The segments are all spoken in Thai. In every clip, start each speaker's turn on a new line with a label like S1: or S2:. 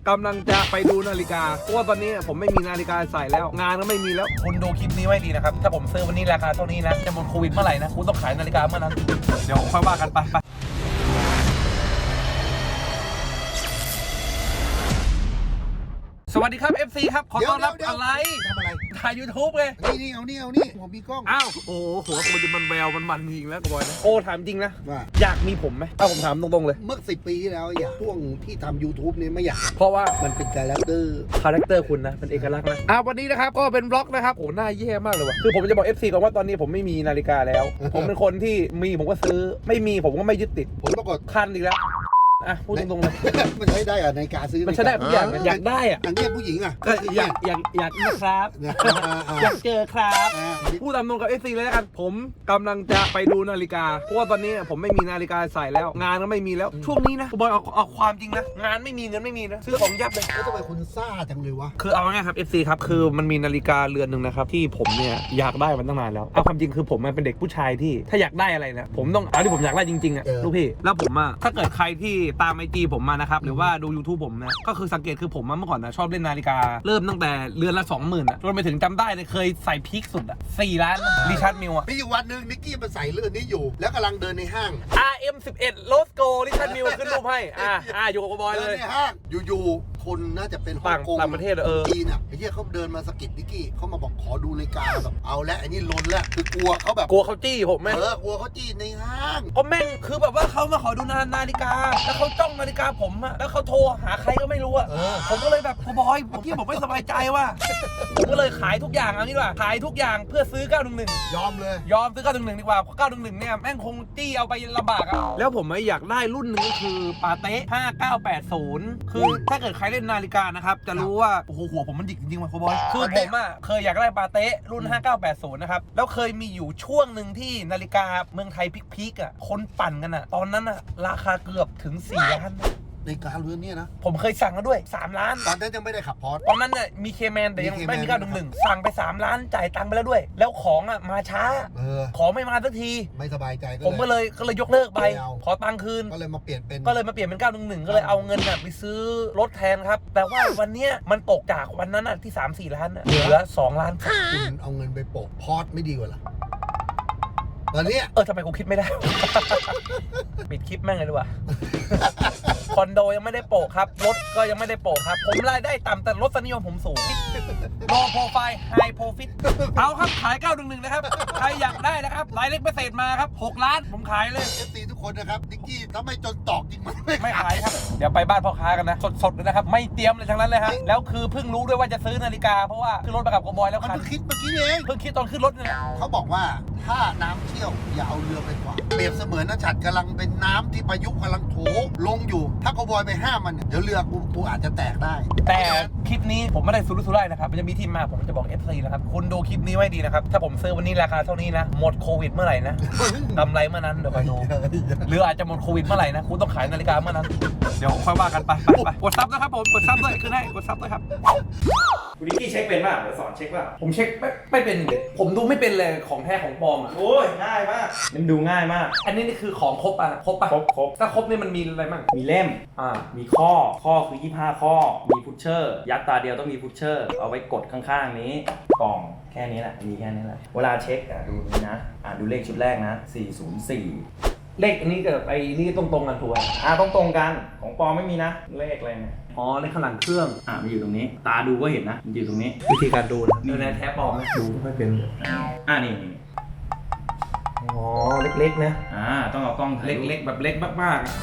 S1: กำลังจะไปดูนาฬิกาเพราะว่าตอนนี้ผมไม่มีนาฬิกาใส่แล้วงานก็ไม่มีแล้วคุณดูคลิปนี้ไว้ดีนะครับถ้าผมซื้อวันนี้ราคาเท่านี้นะจะหมดโควิดเมื่อไหร่นะคุณต้องขายนาฬิกาเมื่อนั้นเดี๋ยวค่อยว่ากันไปสวัสดีครับ FC ครับขอต้อนรับอะไร
S2: ทำอะไร
S1: ถ่าย YouTube เลย
S2: นี่เอานี่ผมมีกล้อง
S1: อ้าวโอ้โหหัวมันแววมันจริงแล้วบอยนะโอ้ถามจริงนะ
S2: ว่า
S1: อยากมีผมไหมผมถามตรงๆเลย
S2: เมื่อ10 ปีที่แล้วอยากช่วงที่ทำ YouTube นี่ไม่อยาก
S1: เพราะว่า
S2: มันเป็นคาแรคเตอร์
S1: คุณนะเป็นเอกลักษณ์นะวันนี้นะครับก็เป็นบล็อกนะครับโอ้หน้าแย่มากเลยว่ะคือผมจะบอก FC ก่อนว่าตอนนี้ผมไม่มีนาฬิกาแล้ว ผมเป็นคนที่มีผมก็ซื้อไม่มีผมก็ไม่ยึดติด
S2: ผมปรากฏ
S1: คันอีกแล้วพูดตรงๆเลย
S2: มันใช้ได้อะในการซื้อ
S1: มันใช้ได้ทุกอย่างอยากได้อะ
S2: อย่างเงี้ยผู้หญิงอะ
S1: ก็อยากนะครับอยากเจอครับพูดตามตรงกับ FC เลยแล้วกันผมกำลังจะไปดูนาฬิกาเพราะว่าตอนนี้ผมไม่มีนาฬิกาใส่แล้วงานก็ไม่มีแล้วช่วงนี้นะบอยเอาความจริงนะงานไม่มีเงินไม่มีนะซื้อของยับเลย
S2: แล้วทำไมคุณซ่าจังเลยวะ
S1: คือเอาง่ายครับ FC ครับคือมันมีนาฬิกาเรือนหนึ่งนะครับที่ผมเนี่ยอยากได้มันตั้งนานแล้วเอาความจริงคือผมมันเป็นเด็กผู้ชายที่ถ้าอยากได้อะไรนะผมต้องเอาที่ผมอยากได้จริงๆอะลูกพี่แล้วผมอะถ้าเกิดใครที่ตามIGผมมานะครับหรือว่าดู YouTube ผมนะก็คือสังเกตคือผมเมื่อก่อนนะชอบเล่นนาฬิกาเริ่มตั้งแต่เรือนละ 20,000จนไปถึงจำได้เลยเคยใส่พีคสุดอะ4 ล้านริชาร์ดมิลอะ
S2: มีอยู่วันหนึ่งนิกกี้มาใส่เรื่องนี้อยู่แล้วกำลังเดินในห้าง
S1: RM11 โลสโกริชาร์ดมิลขึ้นรูปให้อยู่กับบอยเลย
S2: ในห้างอยู่คนน่าจะเป็นฮ่องกง
S1: ต่างประเทศ
S2: จีนอ่ะไอ้เหี้ยเขาเดินมาสะกิดนิกกี้เขามาบอกขอดูนาฬิกาแบบเอาและไอ้นี่ล้นแล้วคือกลัวเขาแบบ
S1: กลัวเขาจี้ผมไหม
S2: กลัวเขาจี้ในห้าง
S1: ก็แม่งคือแบบว่าเขามาขอดูนาฬิกาแล้วเขาจ้องนาฬิกาผมอะแล้วเขาโทรหาใครก็ไม่รู้อะผมก็เลยแบบบอยผมไม่สบายใจว่ะผมก็เลยขายทุกอย่างเอางี้ดีกว่าขายทุกอย่างเพื่อซื้อ911
S2: ยอม
S1: ซื้อ911ดีกว่าเพราะ911เนี่ยแม่งคงจี้เอาไปลำบากอะแล้วผมอยากได้รุ่นหนึ่งก็คือปาเต้5980คือถ้าเกิดใครเล่นนาฬิกานะครับจะรู้ว่าโอ้โหหัวผมมันดิกจริงๆว่ะบอยคือผมอะเคยอยากได้ปาเต้รุ่น5980นะครับแล้วเคยมีอยู่ช่วงหนึ่งที่นาฬิกาเมืองไทยพีคๆอะคนปั่นกันอะตอนนั้นอะราคาเกือบถึง4 ล้าน
S2: ในการเรือนเนี่ยนะ
S1: ผมเคยสั่งมาด้วย3 ล้าน
S2: ตอนนั้นยังไม่ได้ขับพอร์ต
S1: ตอนนั้นเนี่ยมีเคแมนแต่ยังไม่มี911สั่งไป3 ล้านจ่ายตังค์ไปแล้วด้วยแล้วของอ่ะมาช้าของไม่มาสักที
S2: ไม่สบายใจ
S1: ผมก็เลยยกเลิกไปขอตังค์คืน
S2: ก็เลยมาเปลี่ยนเป็น
S1: 911ก็เลยเอาเงินไปซื้อรถแทนครับแต่ว่าวันเนี้ยมันตกจากวันนั้นที่3-4 ล้านเหลือ2 ล้าน
S2: คุณเอาเงินไปโปะพอร์ตไม่ดีกว่าหรอตอนนี้
S1: ทำไมกูคิดไม่ได้ ปิดคลิปแม่งเลยดีกว่าคอนโดยังไม่ได้โปะครับรถก็ยังไม่ได้โปะครับผมรายได้ต่ำแต่รสนิยมผมสูงโลโปรไฟล์ไฮโปรฟิตเอาครับขาย911นะครับใครอยากได้นะครับรายเล็กพิเศษมาครับ6 ล้านผมขายเลย
S2: FC ทุกคนนะครับนิกกี้ถ้าไม่จนตอกจริง
S1: ไม่ขายครับเดี๋ยวไปบ้านพ่อค้ากันนะสดๆเลยนะครับไม่เตรียมเลยทั้งนั้นเลยฮะแล้วคือเพิ่งรู้ด้วยว่าจะซื้อนาฬิกาเพราะว่าขึ้นรถไปกับกบอยแล้ว
S2: มันเพิ่งคิดเมื่อกี้เอง
S1: เพิ่งคิดตอนขึ้นรถเนี่ย
S2: เขาบอกว่าถ้าน้ำเชี่ยวอย่าเอาเรือไปขวางเปรียบเสมือนน้าฉัดกำลังเป็นน้ำที่พายุกำลังโถลงอยู่ถ้ากบอยไปห้ามมันเดี๋ยวเรือกูอาจจะแตกได้
S1: แต่คลิปนี้ผมไม่ได้สุรุ่ยสุร่ายนะครับมันจะมีที่มาผมจะบอก FC นะครับคุณดูคลิปนี้ไว้ดีนะครับถ้าผมซื้อวันนี้ราคาเท่านี้นะหมดโควิดเมื่อไหร่นะกำไรเมื่อนั้นเดี๋ยวคอยดูหรืออาจจะหมดโควิดเมื่อไหร่นะคุณต้องขายนาฬิกาเมื่อนั้นเดี๋ยวค่อยว่ากันไปกดซับนะครับผมกดซับด้วยคือให้กดซับด้วยครับ
S3: คุณนิกกี้เช็คเป็นป่ะเดี๋ยวสอนเช็คป่ะ
S1: ผมเช็คไม่เป็นเลยผมดูไม่เป็นเลยของแท้ของปลอม
S3: โอ้ยง่ายมากมันดูง่ายมาก
S1: อันนี้นี่คือของครบป่ะครบถ้าครบนี่มันมีอะไรบ้าง
S3: มีเล่มมีข้อคือ25 ข้อมีพุชเชอร์ยัดตาเดียวต้องมีพุชเชอร์เอาไว้กดข้างๆนี้กล่องแค่นี้แหละมีแค่นี้แหละเวลาเช็คดูนี่นะดูเลขชุดแรกนะ404
S1: เลขอันนี้กับไอ้นี่ตรงกันถูกไหม
S3: ตรงกันของปลอมไม่มีนะเลขอะไรเนี่ย
S1: เลขข้างหลังเครื่อง
S3: มันอยู่ตรงนี้ตาดูก็เห็นนะมันอยู่ตรงนี้
S1: วิธีการดูนี่ในแท็บปลอมนะดูไม่เป็น
S3: นี่
S1: เล็กๆนะ
S3: ต้องเอากล้อง
S1: เล็กๆแบบเล็กมากๆ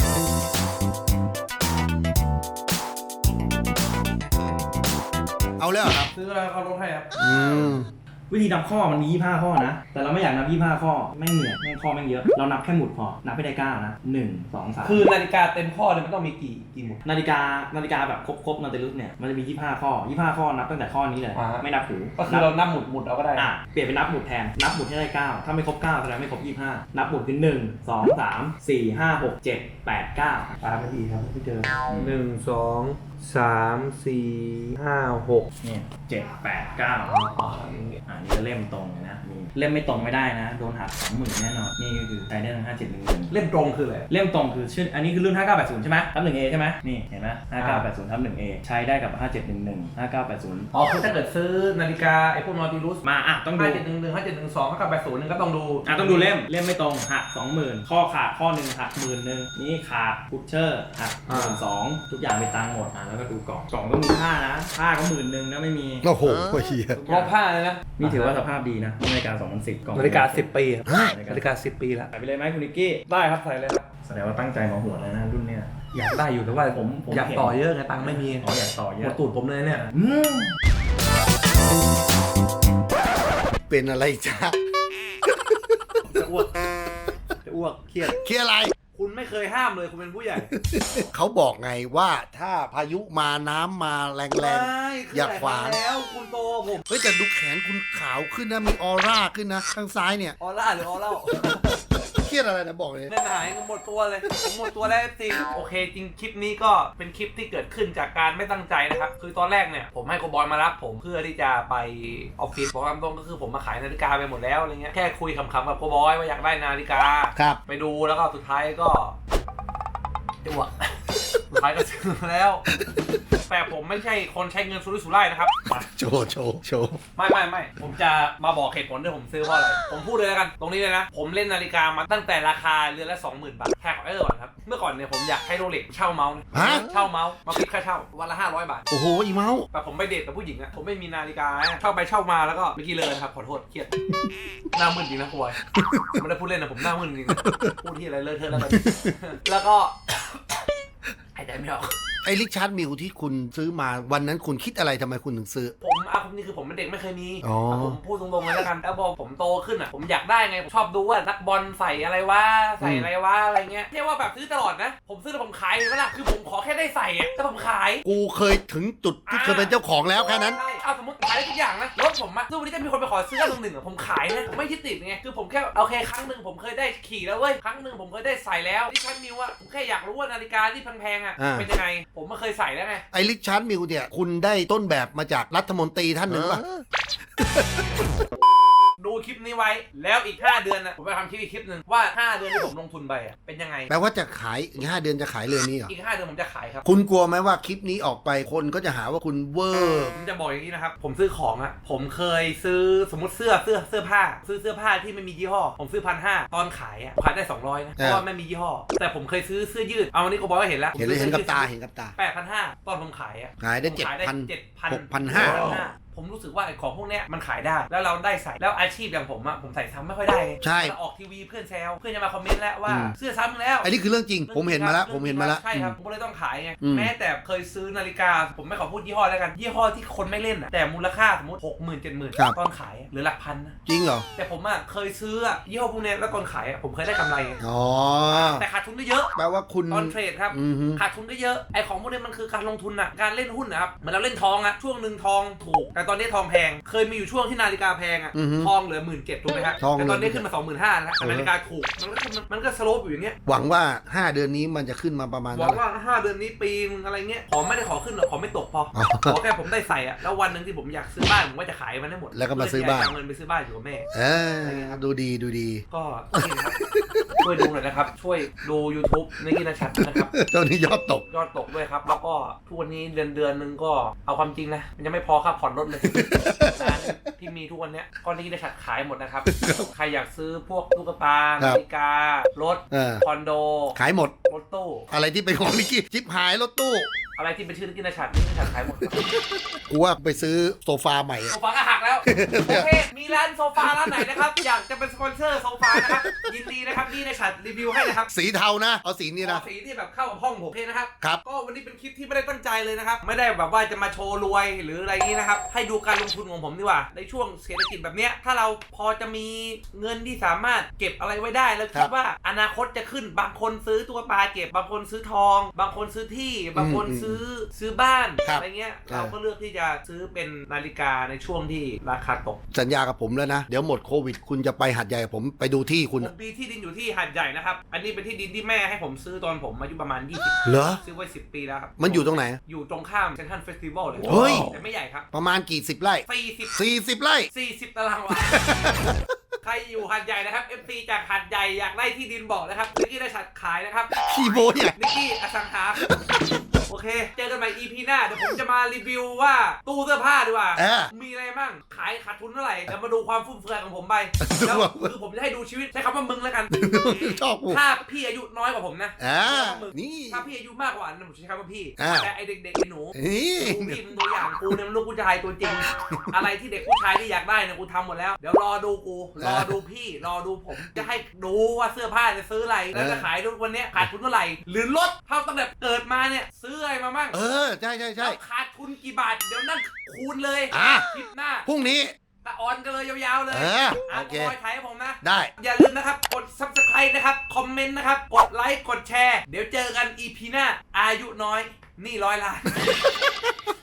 S2: เอาแล้วครับ
S1: ซื้อแล้วเขาลดให้ครับ
S3: วิธีนับข้อมันมี25 ข้อนะแต่เราไม่อยากนับ25 ข้อไม่เหนื่อยข้อแม่งเยอะเรานับแค่หมุดพอนับไปได้9นะ1 2 3
S1: คือนาฬิกาเต็มข้อเลยมันต้องมีกี่หมุด
S3: นาฬิกาแบบครบนาฬิกาเนี่ยมันจะมี25 ข้อนับตั้งแต่ข้อนี้เลยไม่นับหู
S1: ก็คือเรานับหมุดเอาก็ได้
S3: เปลี่ยนเป็นนับหมุดแทนนับหมุดให้ได้9ถ้าไม่ครบ9แสดงไม่ครบ25นับหมุดคือ1 2 3 4 5 6 7 8 9
S1: ไม่ดีครับพี่เจอ1 2 3 4 5 6
S3: เนี่ย7 8 9นี่ก็เล่มตรงนะมีเล่มไม่ตรงไม่ได้นะโดนหัก 20,000 แน่นอนนี่ก็คือใช้ได้ทั้ง5711
S1: เล่มตรงคืออะไร
S3: เล่มตรงคือชื่ออันนี้คือรุ่น 5980 ใช่ไหมทับ 1A ใช่ไหมนี่เห็นไหม5980ทับ 1A ใช้ได้กับ 5711 5980
S1: อ๋อคือถ้าเกิดซื้อนาฬิกาไอ้พวกนอติลุส
S3: มาต้องดู
S1: 5711 5712 5980นึงก็ต้องดู
S3: ต้องดูเล่มไม่ตรงหัก 20,000 ข้อขาดข้อหนึ่งหัก 10,000นี่ขาดพุชเชอร์หัก 12,000 ทุกอย่างเป็นตังค์หมดแล้วก็ดูกล่องต้องมีค่านะค่าก็ 10,000นะไม่มี
S2: โอ้โหเฮีย
S1: รอบผ้าเลยนะ
S3: นี่ถือว่าสภาพดีนะนาฬิกา 2010 กล่อง
S1: นาฬิกา10 ปีนาฬิกา10 ปีแล้ว
S3: ใส่ไปเลยไหมคุณนิกกี้
S1: ได้ครับใส่เลยครับ
S3: แสดงว่าตั้งใจมาหัวแล้วนะรุ่นเนี้ย
S1: อยากได้อยู่แต่ว่าผม อยากต่อเยอะไงตังค์ไม่มี
S3: อยากต่อเย
S1: หม
S3: อะ
S1: ดตูดผมเลยเนี่ย
S2: เป็นอะไรจ้า
S1: จะอ้วกเครียด
S2: เคลียร์อะไร
S1: คุณไม่เคยห้ามเลยคุณเป็นผู้ใหญ่
S2: เขาบอกไงว่าถ้าพายุมาน้ำมาแรงๆ อย่าขวาง
S1: แล้วคุณโตผม
S2: เฮ้ยแต่ดูแขนคุณขาวขึ้นนะมีออร่าขึ้นนะข้างซ้ายเนี่ย
S1: ออร่าหรือออเล่า
S2: เครียดอะไรนะบอกเลย
S1: เล่นหายหมดตัวเลยผมหมดตัวแล้วจริงโอเคจริงคลิปนี้ก็เป็นคลิปที่เกิดขึ้นจากการไม่ตั้งใจนะครับคือตอนแรกเนี่ยผมให้โกบอยมารับผมเพื่อที่จะไปออฟฟิศบอกตามตรงก็คือผมมาขายนาฬิกาไปหมดแล้วอะไรเงี้ยแค่คุยขำๆกับโกบอยว่าอยากได้นาฬิกา
S2: ครับ
S1: ไปดูแล้วก็สุดท้ายก็จะอ้วกสุดท้ายก็ซื้อแล้ว แต่ผมไม่ใช่คนใช้เงินสุรุ่ยสุร่ายนะครับ
S2: โชว์
S1: ไม่ผมจะมาบอกเหตุผลที่ผมซื้อเพราะอะไรผมพูดเลยแล้วกันตรงนี้เลยนะผมเล่นนาฬิกามาตั้งแต่ราคาเรือนละ 20,000 บาทแค่ก่อนครับเมื่อก่อนเนี่ยผมอยากให้โรเล็กเช่าเมาส์เช่าเมาส์มาคิดค่าเช่าวันละ500 บาท
S2: โอ้โหอีเมาส์
S1: แต่ผมไปเดทกับผู้หญิงอะผมไม่มีนาฬิกาเช่าไปเช่ามาแล้วก็เมื่อกี้เลยครับขอโทษเครียดหน้ามึนจริงนะควยไม่ได้พูดเล่นนะผมหน้ามึนจริงนะพูดที่อะไรเลอะเทอะแล้วกันแล้วก็หายใจไม่ออก
S2: ไอ้ริชาร์ดมิลที่คุณซื้อมาวันนั้นคุณคิดอะไรทำไมคุณถึงซื้อ
S1: ผมนี่คือผมเป็นเด็กไม่เคยมี
S2: อ๋อ
S1: ผมพูดตรงๆเลยแล้วกันแล้วพอผมโตขึ้นอ่ะผมอยากได้ไงผมชอบดูว่านักบอลใส่อะไรวะใส่อะไรวะอะไรเงี้ยไม่ใช่ว่าแบบซื้อตลอดนะผมซื้อแล้วผมขายเลยไหมล่ะคือผมขอแค่ได้ใส่อะแต่ผมขาย
S2: กูเคยถึงจุดที่เคยเป็นเจ้าของแล้วแค่นั้น
S1: ใช่เอาสมมติขายได้ทุกอย่างนะรถผมอะซึ่งวันนี้จะมีคนไปขอซื้อ1 ผมขายนะผมไม่ยึดติดไงคือผมแค่โอเคครั้งหนึ่งผมเคยได้ขี่แล้วเว้ยครั้งหนึ่งผมเคยได้ใส่แล้วที่ชั้นมิวอะผมแค่อยากรู้ว่านาฬิกาที่แพงๆอะเป็นยังไงผมไม่เคยใส่แล้วไง
S2: ไอ้ริชาร์ดมิลเนี่ยคุณได้ต้นแบบมาจากรัฐมนตรีท่านหนึ่งป่ะ
S1: ดูคลิปนี้ไว้แล้วอีก5 เดือนนะผมไปทำคลิปอีกคลิปหนึ่งว่า5 เดือนที่ผมลงทุนไปอะเป็นยังไง
S2: แปลว่าจะขายอีก5 เดือนจะขายเรือนนี้เหรอ
S1: อีก5 เดือนผมจะขายครับ
S2: คุณกลัวไหมว่าคลิปนี้ออกไปคนก็จะหาว่าคุณเวอร์
S1: ผมจะบอกอย่างนี้นะครับผมซื้อของอะผมเคยซื้อสมมติเสื้อผ้าซื้อเสื้อผ้าที่ไม่มียี่ห้อผมซื้อ1,500ตอนขายอะขายได้200นะเพราะว่าไม่มียี่ห้อแต่ผมเคยซื้อเสื้อยืดเอาวันนี้ก็บอกว่าเห็นแล้ว
S2: เห็นกับตา
S1: 8,500ตอนผมขายอะ
S2: ขายได้
S1: ผมขายได้
S2: 7,000
S1: 6,500ผมรู้สึกว่าไอ้ของพวกเนี้ยมันขายได้แล้วเราได้ใส่แล้วอาชีพอย่างผมอะผมใส่ซ้ำไม่ค่อยได้ไง
S2: ใช่
S1: ออกทีวีเพื่อนแซวเพื่อนจะมาคอมเมนต์แล้วว่าเสื้อซ้ำแล้ว
S2: อันนี้คือเรื่องจริงผมเห็นมาแล้ว
S1: ใช่ครับผมก็เลยต้องขายไง
S2: อืม
S1: แม้แต่เคยซื้อนาฬิกาผมไม่ขอพูดยี่ห้อแล้วกันยี่ห้อที่คนไม่เล่นอะแต่มูลค่าสมมติ 60,000 70,000ตอนขายอะหรือหลักพันนะ
S2: จริงเหรอ
S1: แต่ผมอะเคยซื้ออะยี่ห้อพวกเนี้ยแล้วตอนขายอะผมเคยได้กำไรไง
S2: อ๋อ
S1: แต่ขาดทุนได้เยอะ
S2: แปลว่าคุณ
S1: ตอนเทรดครับ
S2: อือฮึ
S1: ขาดทุนได้เยอะไอของพวกนี้มันคือการลงทุนอะการเล่นหุ้นนะครับเหมือนเราเล่นทองอะช่วงหนึ่งทองถูกแต่ตอนนี้ทองแพงเคยมีอยู่ช่วงที่นาฬิกาแพงอะ
S2: อือฮึ
S1: ทองเหลือ17,000ถูกไหมครับ
S2: ทอง
S1: แต่ตอนนี้
S2: เหลือ
S1: ขึ้นมา 25,000แล้วแต่นาฬิกาถูกมันก็สโลปอยู่อย่างเงี้ย
S2: หวังว่า 5 เดือนนี้มันจะขึ้นมาประมาณ
S1: หวั
S2: เท่าง ไหร่
S1: ว่า5 เดือนนี้ปีนึงอะไรเงี้ยขอไม่ได้ขอขึ้นหรอกขอไม่ตกพอ
S2: อ๋อ
S1: ขอแค่ผมได้ใส่อะแล้ววันหนึ่งที่ผมอยากซื้อบ้านผมก็จะขายมันให้หมด
S2: แล้วก็มาซื้อบ้าน
S1: เพื่ที่จะเเงินไปซื้อบ้านอยู่กับแม่
S2: ดูดี
S1: ก็นี่นะครับ ช่วยดูหน่อยนะครับ ช่วยดู YouTube ในกินชัดนะครับ
S2: ตอนนี้ยอดตก
S1: ยอดตกด้วยครับ แล้วก็ทุกวันนี้เดือนนึงก็เอาความจริงนะ มันยังไม่พอค่าผ่อนรถเลยร้านที่มีทุกวันเนี้ยก็นี่ได้ชัดขายหมดนะครับ ใครอยากซื้อพวกตุ๊กตา
S2: ครั
S1: นา
S2: บ
S1: ฬิการถ คอนโด
S2: ขายหมด
S1: รถตู้
S2: อะไรที่เป็นของนิกกี้จิ๊บหายรถตู้
S1: อะไรที่เป็นชื่อกินชัดนี่ชัดขายหมดครับ
S2: กูว่าไปซื้อโซฟาใหม่อะ
S1: โซฟาก็หักแล้ว โอเค มีร้านโซฟาร้านไหนนะครับ อยากจะเป็นสปอนเซอร์โซฟานะครับ ยินดีนะครับนี่ในฉัดรีวิวให้นะครับ
S2: สีเทานะ เอาสีนี้นะ
S1: สีที่แบบเข้ากับห้องผมเพนะครับ
S2: ครับ
S1: ก็วันนี้เป็นคลิปที่ไม่ได้ตั้งใจเลยนะครับ ไม่ได้แบบว่าจะมาโชว์รวยหรืออะไรนี้นะครับ ให้ดูการลงทุนของผมดีกว่า ในช่วงเศรษฐกิจแบบเนี้ย ถ้าเราพอจะมีเงินที่สามารถเก็บอะไรไว้ได้แล้วคิดว่าอนาคตจะขึ้น บางคนซื้อตัวปลาเก็บ บางคนซื้อทอง บางคนซื้อที่ บางคนซื้อบ้าน
S2: ครับ
S1: อะไรเงี้ย เราก็เลือกที่จะซื้อเป็นนาฬิกาในช่วงที่ราคาตก
S2: สัญญากับผมแล้วนะ เดี๋ยวหมดโควิดคุณจะไปหัดใหญ่กับผมไปดูที่คุณ
S1: ผมมีที่ดินอยู่ที่หาดใหญ่นะครับอันนี้เป็นที่ดินที่แม่ให้ผมซื้อตอนผมอายุประมาณ20
S2: เหรอ
S1: ซื้อไว้10 ปีแล้วครับ
S2: มันอยู่ตรงไหน
S1: อยู่ตรงข้ามเซนทรัลเฟสติวัลเลย
S2: เฮ้ย
S1: แต่ไม่ใหญ่ครับ
S2: ประมาณกี่สิบไร่ 40 ไร่
S1: 40 ตารางวา ใครอยู่หาดใหญ่นะครับ FC จากหาดใหญ่อยากได้ที่ดินบอกนะครับนิกกี้ได้ชัดขายนะครับ
S2: ขี้โบเนี่ย
S1: นิกกี้อสังหา โอเค เจอกันใหม่ EP หน้าเดี๋ยวผมจะมารีวิวว่าตู้เสื้อผ้าดีกว่า มีอะไรบ้างขายขาดทุนเท่าไหร่เดี๋ยวมาดูความฟุ่มเฟือยของผมไปแล้วคือผมจะให้ดูชีวิตใช้คำว่ามึงแล้วกัน
S2: ชอบกู
S1: ถ้าพี่อายุน้อยกว่าผมนะ
S2: นี่
S1: ถ้าพี่อายุมากกว่านั้นผมใช้คำว่าพี่
S2: อ่า
S1: แต่ไอเด็กๆไอหนู
S2: นี่
S1: กูพี่มึงตัวอย่างกูเนี่ยมันลูกผู้ชายตัวจริง อะไรที่เด็กผู้ชายที่อยากได้เนี่ยกูทำหมดแล้วเดี๋ยวรอดูกูรอดูพี่รอดูผมจะให้ดูว่าเสื้อผ้าจะซื้ออะไรแล้วจะขายทุกวันเนี้ยขาดทุนเท่าไหร่หรือลดเท่าตั้งแต่เกิดมาเนี่ยซื้ออะไรมามั่ง
S2: ใช่
S1: แล้วขาดทุนกี่บาทเดี๋ยวนั่นคูณเลย
S2: อ่ะ
S1: คลิปหน้า
S2: พรุ่งนี้
S1: ตะออนกันเลยยาวๆเลย
S2: โอเค
S1: คอยถ่ายให้ผมนะ
S2: ได้
S1: อย่าลืมนะครับกด subscribe นะครับคอมเมนต์นะครับกดไลค์กดแชร์เดี๋ยวเจอกัน EP หน้าอายุน้อยนี่100 ล้าน